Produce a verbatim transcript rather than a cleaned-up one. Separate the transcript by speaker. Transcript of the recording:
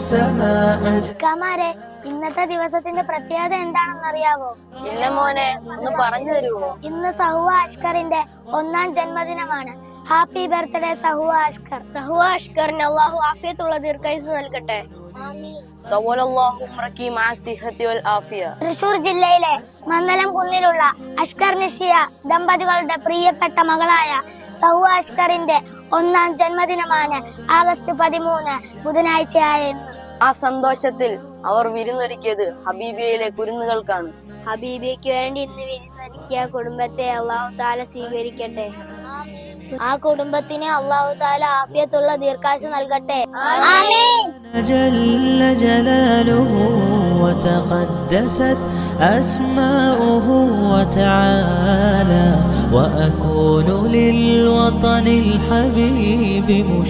Speaker 1: السماء.
Speaker 2: കമാരെ, ഇന്നത്തെ ദിവസത്തിന്റെ പ്രത്യേകത എന്താണെന്ന് അറിയാവോ?
Speaker 3: ഇല്ല മോനെ, ഒന്ന് പറഞ്ഞു തരുമോ?
Speaker 2: ഇന്ന് സഹുവ അഷ്കറിന്റെ ഒന്നാം ജന്മദിനമാണ്. Happy birthday Sahuva Ashkar.
Speaker 3: സഹുവ അഷ്കറിന് അള്ളാഹു ആഫിയത്തുള്ള ദീർഘായുസ്സ് നൽകട്ടെ.
Speaker 2: തൃശൂർ ജില്ലയിലെ മന്ദലം കുന്നിലുള്ള അഷ്കർ നിഷിയ ദമ്പതികളുടെ പ്രിയപ്പെട്ട മകളായ സഹുവ അഷ്കറിന്റെ ഒന്നാം ജന്മദിനമാണ് ആഗസ്റ്റ് പതിമൂന്ന് ബുധനാഴ്ചയായ ഇന്ന്.
Speaker 3: ആ സന്തോഷത്തിൽ അവർ വിരുന്നൊരുക്കിയത് ഹബീബിയയിലെ കുരുന്നുകൾക്കാണ്.
Speaker 2: ഹബീബിയയ്ക്ക് വേണ്ടി ഇന്ന് വിരുന്നൊരുക്കിയ കുടുംബത്തെ അള്ളാഹു താല സ്വീകരിക്കട്ടെ. ആ കുടുംബത്തിന് അള്ളാഹു താല ആഫിയത്തുള്ള ദീർഘായുസ്സ് നൽകട്ടെ.
Speaker 1: جل جلاله وتقدست أسماؤه وتعالى وأكون للوطن الحبيب